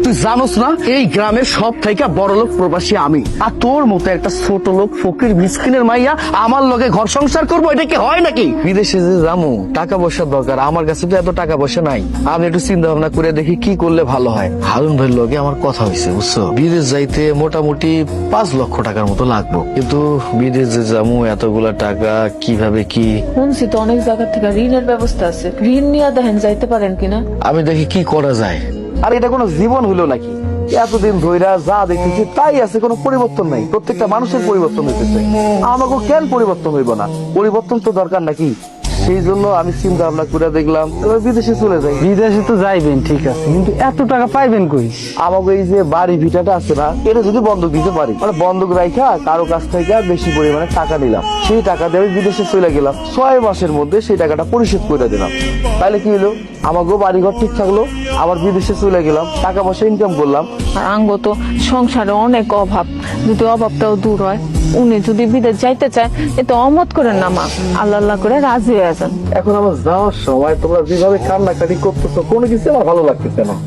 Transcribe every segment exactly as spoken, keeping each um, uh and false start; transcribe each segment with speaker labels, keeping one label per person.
Speaker 1: তুই জানোস না এই গ্রামের সব থেকে বড় লোক প্রবাসী আমি, আর তোর মতো একটা ছোট লোক ফকির মিসকিনের মাইয়া আমার লগে ঘর সংসার করবো, এটা কি হয় নাকি? বিদেশে যে যাবো টাকা পয়সার দরকার, আমার কাছে তো এত টাকা পয়সা নাই। আমি একটু চিন্তা ভাবনা করে দেখি কি করলে ভালো হয়। হারুন ভাইয়ের লগে আমার কথা হয়েছে বুঝছো, বিদেশ যাইতে মোটামুটি পাঁচ লক্ষ টাকার মতো লাগবে, কিন্তু বিদেশ যে যাবো এতগুলা টাকা কিভাবে কি।
Speaker 2: শুনছি তো অনেক জায়গা থেকে ঋণের ব্যবস্থা আছে, ঋণ নিয়ে দেখেন যাইতে পারেন কিনা।
Speaker 1: আমি দেখি কি করা যায়। আর এটা কোনো জীবন হইলো নাকি? এতদিন ধইরা যা দেখতেছি তাই আছে, কোনো পরিবর্তন নাই। প্রত্যেকটা মানুষের পরিবর্তন হইতেছে, আমাকে কেন পরিবর্তন হইব না? পরিবর্তন তো দরকার নাকি? সেই জন্য আমি চিন্তা ভাবনা করে দেখলাম এবার বিদেশে চলে যাই।
Speaker 3: বিদেশে তো যাইবেন ঠিক আছে, কিন্তু এত টাকা পাইবেন কই?
Speaker 1: আমাকে এই যে বাড়ি ভিটাটা আছে না, এটা যদি বন্ধক দিতে পারি, মানে বন্ধক রাখা কারো কাছ থেকে বেশি পরিমাণে টাকা নিলাম, সেই টাকা দিয়ে আমি বিদেশে চলে গেলাম, ছয় মাসের মধ্যে সেই টাকাটা পরিশোধ করে দিলাম, তাহলে কি হলো? আমাকেও বাড়িঘর ঠিক থাকলো, আবার বিদেশে চলে গেলাম, টাকা পয়সা ইনকাম করলাম।
Speaker 2: আর আঙ্গ তো সংসারে অনেক অভাব, যদি অভাবটাও দূর হয়, উনি যদি বিদেশ যাইতে চায় এতে অমত করেন না মা, আল্লাহ আল্লাহ করে রাজি হয়ে যান।
Speaker 1: এখন আমার যাওয়ার সময় তোমরা যেভাবে কান্নাকাটি করতেছো, কোনো কিছু আমার ভালো লাগতেছে না।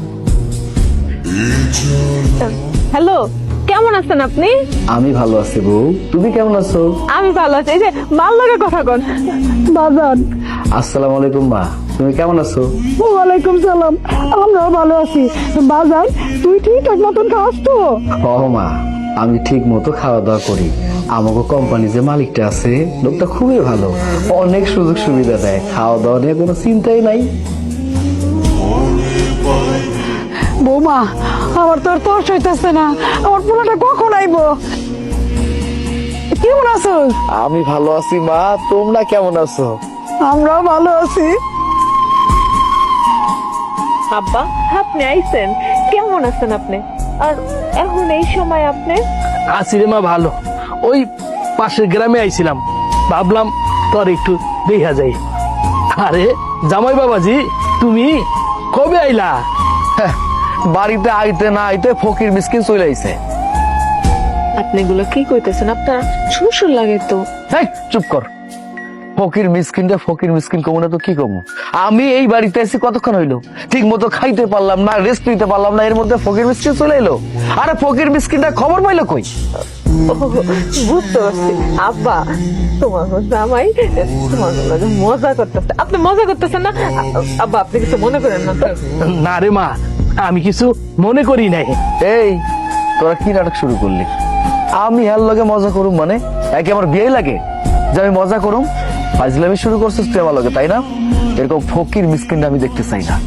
Speaker 2: হ্যালো, কেমন আছেন আপনি?
Speaker 1: আমি ভালো আছি বউ, তুমি কেমন আছো?
Speaker 2: আমি ভালো আছি। এই যে ভাল লাগে কথা কন বাজান।
Speaker 1: আসসালামু আলাইকুম মা, তুমি কেমন আছো?
Speaker 4: ওয়ালাইকুম সালাম, আমরাও ভালো আছি। বাজান, তুই ঠিকঠাক মতন খাস তো?
Speaker 1: ও মা, আমি ঠিক মতো খাওয়া দাওয়া করি। আমাকে কোম্পানি যে মালিকটা আছে, লোকটা খুবই ভালো, অনেক সুযোগ সুবিধা দেয়, খাওয়া দাওয়া নিয়ে কোনো চিন্তাই নাই।
Speaker 4: বৌমা, আমার তো আর তর্স হইতেছে না, আমার পোলাটা কখন আইবো? কেমন আছো?
Speaker 1: আমি ভালো আছি মা, তোমরা কেমন আছো?
Speaker 4: আমরাও ভালো আছি।
Speaker 2: আব্বা, আপনি আইছেন, কেমন আছেন আপনি? আর এখন এই সময় আপনি?
Speaker 3: আছি রে মা ভালো, ওই পাশের গ্রামে আইছিলাম, ভাবলাম তোর একটু দেখা যাই। আরে জামাই বাবাজি, তুমি কবে আইলা?
Speaker 1: হ্যাঁ, বাড়িতে আইতে না আইতে ফকির মিসকিন চলে আইছে।
Speaker 2: আপনি এগুলো কি কইতেছেন? আপনার শ্বশুর লাগে তো।
Speaker 1: হেই, চুপ কর। ফকির মিসকিনটা ফকির মিসকিন কমু না তো কি কমু? আমি এই বাড়িতে এসে কতক্ষণ হইলো, ঠিক মতো খাইতে পারলাম না, রেস্ট নিতে পারলাম না, এর মধ্যে ফকির মিসকিন চলে এলো। আরে ফকির মিসকিনটা খবর পাইলো কই?
Speaker 2: বুঝতে পারছি আব্বা, তোমার জামাই তোমার লগে মজা করতেছে। আপনি মজা করতেছেন না আব্বা? আপনি কিছু মনে করেন না তো?
Speaker 3: না রে মা, আমি কিছু মনে করি নাই।
Speaker 1: এই, তোরা কি নাটক শুরু করলি? আমি হার লগে মজা করুম মানে একে আমার বিয়ে লাগে যে আমি মজা করুম? ফাজলামি শুরু করছিস তুই আমার লগে, তাই না? এরকম ফকির মিসকিনটা আমি দেখতে চাই না।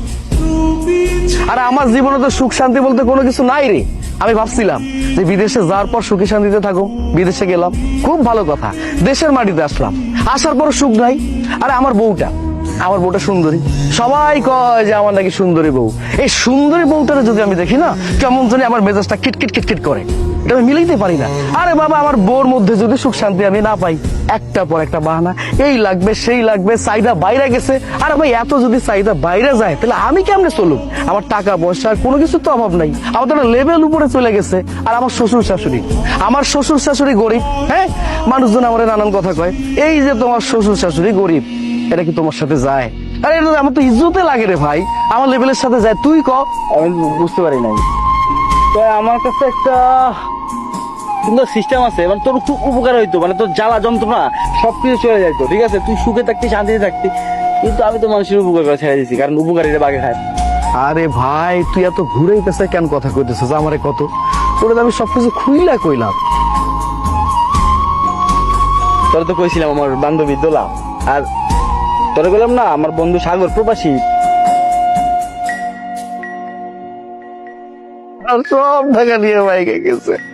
Speaker 1: আর আমার জীবনে তো সুখ শান্তি বলতে কোনো কিছু নাই রে। আমি ভাবছিলাম যে বিদেশে যাওয়ার পর সুখী শান্তিতে থাকো, বিদেশে গেলাম, খুব ভালো কথা, দেশের মাটিতে আসলাম, আসার পর সুখ নাই। আরে আমার বউটা, আমার বউটা সুন্দরী, সবাই কয় যে আমার নাকি সুন্দরী বউ। এই সুন্দরী বউটারে যদি আমি দেখি না, কেমন জানি আমার মেজাজটা কিটকিট কিটকিট করে, এটা আমি মিলাইতে পারি না। আরে বাবা, আমার বউর মধ্যে যদি সুখ শান্তি আমি না পাই, একটা পর একটা বাহানা, এই লাগবে সেই লাগবে, চাহিদা বাইরে গেছে। আরে ভাই, এত যদি চাহিদা বাইরে যায় তাহলে আমি কেমনে চলুক? আমার টাকা পয়সা কোনো কিছু তো অভাব নাই, আমার তো লেভেল উপরে চলে গেছে। আর আমার শ্বশুর শাশুড়ি, আমার শ্বশুর শাশুড়ি গরিব। হ্যাঁ, মানুষজন আমার নানান কথা কয়, এই যে তোমার শ্বশুর শাশুড়ি গরিব, এটা কি তোমার সাথে যায়? আরে এটা আমার তো ইজ্জতে লাগে রে ভাই, আমার লেভেলের সাথে যায়। তুই ক।
Speaker 3: আমি বুঝতে পারি নাই। তো আমার কাছে একটা সুন্দর সিস্টেম আছে, মানে তোর খুব উপকার হইতো, মানে তোর জ্বালা যন্ত্রণা সবকিছু চলে যাইতো, ঠিক আছে? তুই সুখে থাকতি, শান্তিতে থাকতি। কিন্তু আমি তো মানুষের উপকার করে ছেড়ে দিচ্ছি, কারণ উপকারীরা বাগে খায়।
Speaker 1: আরে ভাই, তুই এত ঘুরে গেছে কেন কথা কইতেছিস আমারে? কত তোরে আমি সবকিছু খুইলা কইলাম।
Speaker 3: তোরা তো কইছিলাম আমার বান্ধবী দোলা, আর তোরা বললাম না আমার বন্ধু সাগর প্রবাসী।
Speaker 1: আর সব টাকা নিয়ে বাইকে গেছে।